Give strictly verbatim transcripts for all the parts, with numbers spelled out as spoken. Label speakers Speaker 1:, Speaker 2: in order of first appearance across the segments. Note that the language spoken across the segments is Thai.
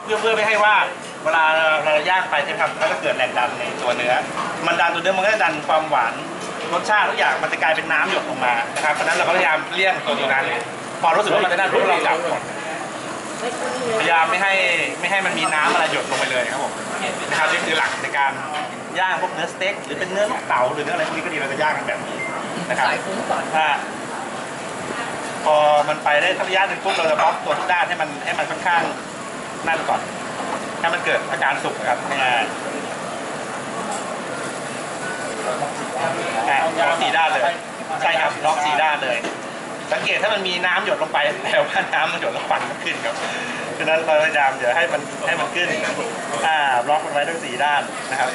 Speaker 1: พื่อเพื่อไม่ให้ว่าเวลาเราย่างไปใช่ไหมครับแล้วก็เกิดแรงดันในตัวเนื้อมันดันตัวเนื้อมันก็จะดันความหวานรสชาติทุกอย่างมันจะกลายเป็นน้ำหยดลงมานะครับเพราะฉะนั้นเราก็พยายามเลี่ยงตัวตรงนั้นพอรู้สึกว่ามันจะได้ปุ๊บเราจับก่อนพยายามไม่ให้ไม่ให้มันมีน้ำอะไรหยดลงไปเลยครับผมนะครับนี่คือหลักในการย่างพวกเนื้อสเต็กหรือเป็นเนื้อเต่าหรือเนื้ออะไรพวกนี้ก็ดีเราจะย่างกันแบบนี้นะครับถ้าพอมันไปได้ทักระยะหนึ่งปุ๊บเราจะบล็อกตัวทุกด้านให้มันให้มันค่อนข้างนั่นก่อนให้มันเกิดอาการสุกครับง่ายๆล็อกสี่ด้านเลยใช่ครับล็อกสี่ด้านเลยสังเกตถ้ามันมีน้ำหยดลงไปแปลว่าน้ำมันหยดแล้วควันมันขึ้นครับฉะนั้นเราพยายามอย่าให้มันให้มันขึ้นอ่าบล็อกมันไว้ทั้งสี่ด้านนะครับ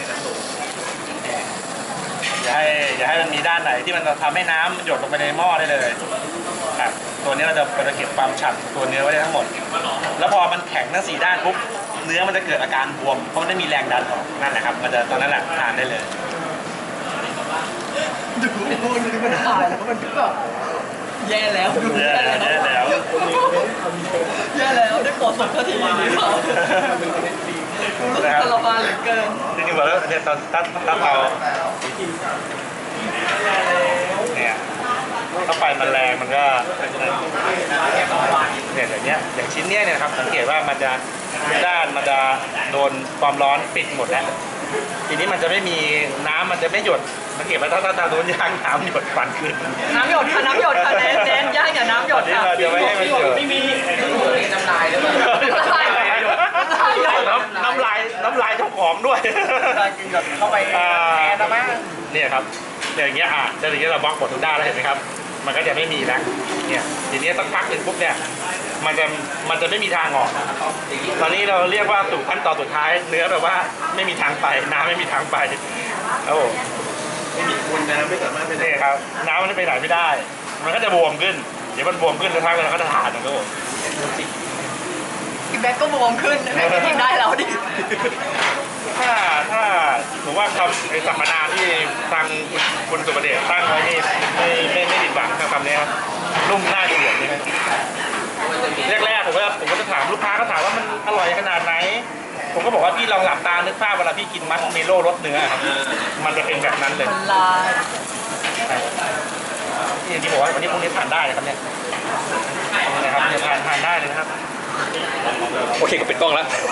Speaker 1: อย่าให้อย่าให้มันมีด้านไหนที่มันทำให้น้ำหยดลงไปในหม้อได้เลยครับตัวนี้เราจะเราจะเก็บความฉ่ำตัวเนื้อไว้ได้ทั้งหมดแล้วพอมันแข็งทั้งสี่ด้านปุ๊บเนื้อมันจะเกิดอาการบวมเพราะมันไม่มีแรงดันออกนั่นแหละครับมันจะตอนนั้นแหละทานได้เลย
Speaker 2: ดูดูมันถ่ายแล้วมันแบบแย่แล้วดูแย่แล้วแย่แล้วแย่แล้วได้โปรดส่งทันทีดีกว่ารู้สึกทรมานเหลือเกิน
Speaker 1: จริงๆบอกแล้วเนี่ยตอนตั้งตั้งเราเนี่ยถ้าไฟมันแรงมันก็เนี่ยอย่างเนี้ยอย่างชิ้นเนี้ยเนี่ยครับสังเกตว่ามันจะด้านมันจะโดนความร้อนปิดหมดแล้วทีนี้มันจะไม่มีน้ำมันจะไม่หยดสังเกตว่าถ้าถ้าโดนย่างน้ำหยดฟันขึ้น
Speaker 2: น้ำหยดค่ะน้ำหยดค่ะเน้นเน้นย่างอย่าน้ำหยดค่ะ
Speaker 1: เดี๋ยวไม่ให้มันหยด
Speaker 2: ไม่มีน้ำลายด้วยน้ำลาย
Speaker 1: น้ำลายน้ำลายเจ้าของด้วย
Speaker 2: กินหยดเข้าไปแอนนะมั้ง
Speaker 1: เนี่ยครับอย่างเงี้ยอ่ะอย่างเงี้ยเราบล็อกหมดทุกด้านแล้วเห็นไหมครับมันก็จะไม่มีแล้วเนี่ยทีนี้สักพักหนึ่งปุ๊บเนี่ยมันจะมันจะไม่มีทางออกตอนนี้เราเรียกว่าสู่ขั้นตอนสุดท้ายเนื้อแบบว่าไม่มีทางไปน้ำไม่มีทางไปโอ้ไม่มีคุณน้ำไม่สามารถไปได้ครับน้ำมันไปไหนไม่ได้มันก็จะบวมขึ้นเดี๋ยวมันบวมขึ้นแล้วทักเราก็จะทานนะโอ้
Speaker 2: พี่แบ็คก็บวมขึ้นแบ็คกินได้แล้วดิ
Speaker 1: ถ้าถ้าผมว่าคำไอ้สัมมนาที่ทางคุณสุประเดชตั้งไว้นี่ไม่ไม่ไม่ผิดหวังกับคำนี้ครับนุ่มน่าเกลียดนี่แรกๆผมก็ผมก็จะถามลูกค้าก็ถามว่ามันอร่อยขนาดไหนผมก็บอกว่าพี่ลองหลับตานึกภาพเวลาพี่กินมัชเมโล่รสเนื้อครับมันจะเป็นแบบนั้นเลยที่ที่บอกว่าวันนี้พวกนี้ทานได้นะครับเนี่ยนะครับทานทานได้เลยนะครับ
Speaker 3: โอเคก็ปิดกล้องแล้ว